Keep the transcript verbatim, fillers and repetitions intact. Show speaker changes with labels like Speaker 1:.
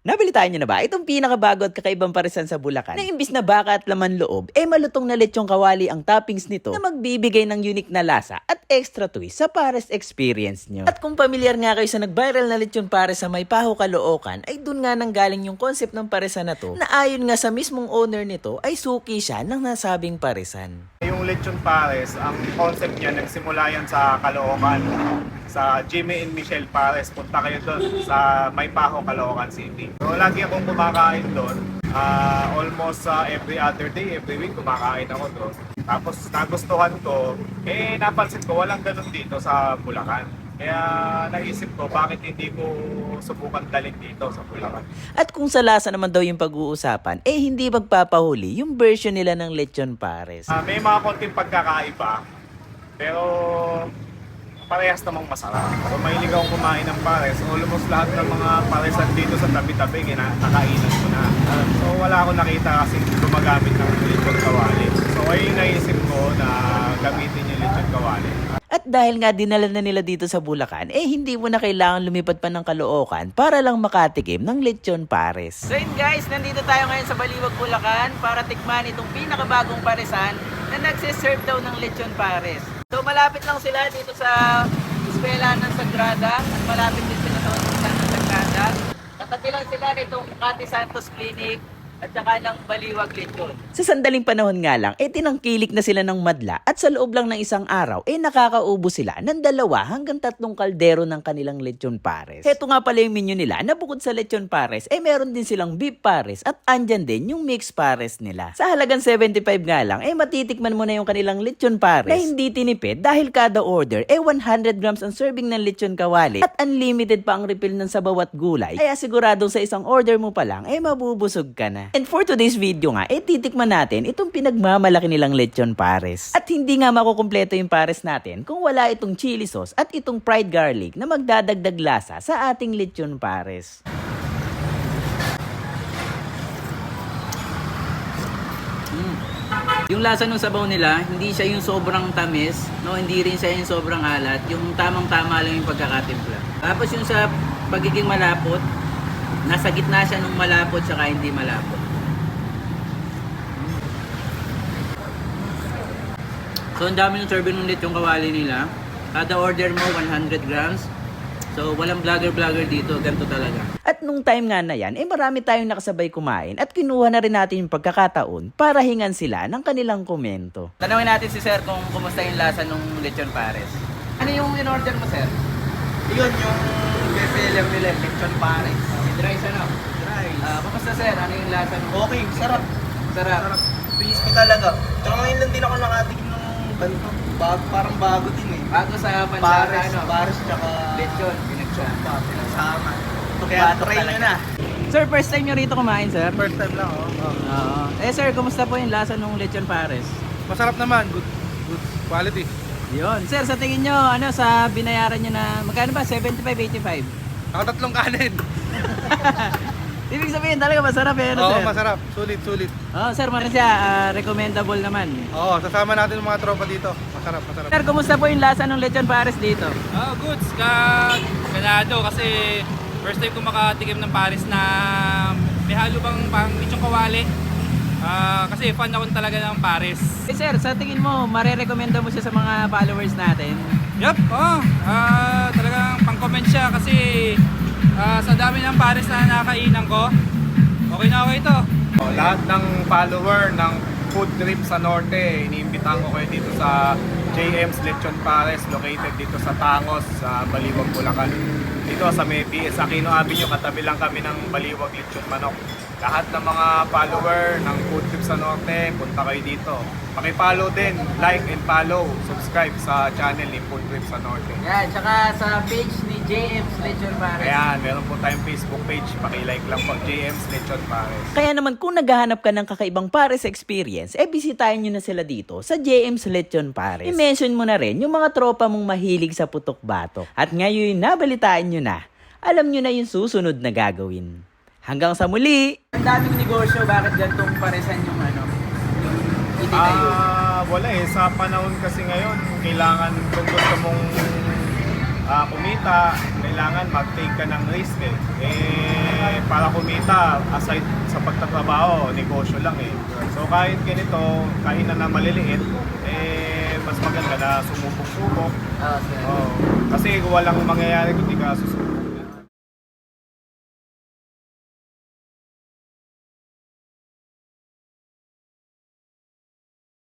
Speaker 1: Nabalitaan nyo na ba itong pinakabago at kakaibang parisan sa Bulacan na imbis na baka at laman loob, eh malutong na lechong kawali ang toppings nito na magbibigay ng unique na lasa at extra twist sa pares experience nyo. At kung pamilyar nga kayo sa nag-viral na lechon pares sa Maypaho, Caloocan, ay dun nga nanggaling yung concept ng parisan na to na ayon nga sa mismong owner nito ay suki siya ng nasabing parisan.
Speaker 2: Yung lechon pares, ang concept niya nagsimula yan sa Caloocan, sa Jimmy and Michelle Pares. Punta kayo doon sa Maypaho, Caloocan City. So lagi akong kumakain doon. Uh, almost uh, every other day, every week kumakain ako doon. Tapos nagustuhan ko, eh napansin ko walang ganun dito sa Bulacan. Kaya naisip ko bakit hindi ko subukan dalhin dito sa Bulacan.
Speaker 1: At kung sa lasa naman daw yung pag-uusapan, eh hindi magpapahuli yung version nila ng lechon pares.
Speaker 2: Uh, may mga konting pagkakaiba, pero parehas namang masarap. So mahilig akong kumain ng pares. Almost lahat ng mga paresan dito sa tabi-tabi, kinakainan ko na. Uh, so wala akong nakita kasi gumagamit ng lechon kawali. So ay naisip ko na gamitin yung lechon kawali.
Speaker 1: At dahil nga dinala na nila dito sa Bulacan, eh hindi mo na kailangan lumipad pa ng Caloocan para lang makatikim ng lechon pares. So yun guys, nandito tayo ngayon sa Baliwag, Bulacan para tikman itong pinakabagong parisan na nagsiserve daw ng lechon pares. So malapit lang sila dito sa Eskwela ng Sagrada at malapit din sila sa Universidad ng Sagrada. Katabi lang sila nitong Kati Santos Clinic at saka ng Baliwag Lechon. Sa sandaling panahon nga lang, eh tinangkilik na sila ng madla at sa loob lang ng isang araw, eh nakakaubo sila ng dalawa hanggang tatlong kaldero ng kanilang lechon pares. Heto nga pala yung menu nila na bukod sa lechon pares, eh meron din silang beef pares at andyan din yung mixed pares nila. Sa halagang seventy-five nga lang, eh matitikman mo na yung kanilang lechon pares na hindi tinipid dahil kada order, eh one hundred grams ang serving ng lechon kawali at unlimited pa ang refill ng sabaw at gulay. Kaya siguradong sa isang order mo pa lang, eh mabubusog ka na. And for today's video nga, eh titikman natin itong pinagmamalaki nilang lechon pares. At hindi nga makukumpleto yung pares natin kung wala itong chili sauce at itong fried garlic na magdadagdag lasa sa ating lechon pares. Mm. Yung lasa ng sabaw nila, hindi siya yung sobrang tamis, no, hindi rin siya yung sobrang alat, yung tamang-tama lang yung pagkakatimpla. Tapos yung sa pagiging malapot, nasa gitna siya ng malapot saka hindi malapot. So ang dami ng serving ng lechon kawali nila. Kada order mo one hundred grams. So walang vlogger-vlogger dito, ganito talaga. At nung time nga na yan, eh marami tayong nakasabay kumain at kinuha na rin natin yung pagkakataon para hingan sila ng kanilang komento. Tanawin natin si sir kung kumusta yung lasa ng lechon pares. Ano yung in-order mo, sir?
Speaker 3: Yun yung bestseller nila, lechon pares.
Speaker 1: Dry siya, no?
Speaker 3: Dry.
Speaker 1: Ah, kumusta, sir? Ano yung lasa ng...
Speaker 3: Okay, sarap.
Speaker 1: Sarap.
Speaker 3: Sarap. Crispy talaga. Tsaka ngayon lang din ako nakatikim ng ganito. Bago, parang bago din eh.
Speaker 1: Bago sa pansara,
Speaker 3: Pares,
Speaker 1: ano?
Speaker 3: pares tsaka
Speaker 1: Lechon, pinagsama.
Speaker 3: pinagsama.
Speaker 1: Kaya
Speaker 3: Try nyo na.
Speaker 1: Sir, first time nyo rito kumain, sir?
Speaker 3: First time lang oh. Oh.
Speaker 1: Oo. Eh, sir, kumusta po yung lasa ng lechon pares?
Speaker 4: Masarap naman, good good quality.
Speaker 1: Yun. Sir, sa tingin nyo, ano, sa binayaran nyo na, magkano ba? seventy-five, eighty-five?
Speaker 4: Nakatatlong kanin.
Speaker 1: Ibig sabihin, talaga masarap eh, ano,
Speaker 4: Oo,
Speaker 1: sir?
Speaker 4: masarap. Sulit, sulit.
Speaker 1: Oo, sir, ano siya, ah, recommendable naman.
Speaker 4: Oo, sasama natin yung mga tropa dito. Masarap, masarap.
Speaker 1: Sir, kumusta po yung lasa ng lechon pares dito?
Speaker 5: Ah, goods. Ka ganado kasi first time ko makatikim ng Paris na may halo bang pang lechong kawali. Ah, kasi fan ako talaga ng Paris.
Speaker 1: Eh, sir, sa tingin mo, marerekomenda mo siya sa mga followers natin?
Speaker 5: Yup, oh. Ah, talagang pang-comment siya kasi ah, sa dami ng Paris na nakakainan ko, okay na okay ito.
Speaker 2: So, lahat ng follower ng food trip sa Norte, iniimbitahan ko kayo dito sa J M's Lechon Pares, located dito sa Tangos, sa Baliwag, Bulacan. Dito sa may B S Aquino Avenue, katabi lang kami ng Baliwag Lechon Manok. Lahat ng mga follower ng food trip sa Norte, punta kayo dito. Paki-follow din, like and follow, subscribe sa channel ni Food Trip sa Norte.
Speaker 1: Yan, tsaka sa page ni J M's Lechon Pares.
Speaker 2: Ayan, meron po tayong Facebook page, paki-like lang po, J M's Lechon Pares.
Speaker 1: Kaya naman kung naghahanap ka ng kakaibang pares experience, eh bisitahin nyo na sila dito sa J M's Lechon Pares. I-mention mo na rin yung mga tropa mong mahilig sa putok-batok. At ngayon nabalitaan nyo na, alam nyo na yung susunod na gagawin. Hanggang sa muli! Ang daming negosyo, bakit gantong paresan yung ano, yung itinayo?
Speaker 2: Ah, wala eh. Sa panahon kasi ngayon, kailangan kung gusto mong ah, kumita, kailangan mag-take ka ng risk eh. Eh, para kumita, aside sa pagtatrabaho, negosyo lang eh. So kahit ganito, kahit na na maliliit, eh, mas maganda na sumubok-subok.
Speaker 3: Ah, sir.
Speaker 2: Oh, kasi walang mangyayari kung di ka susubok.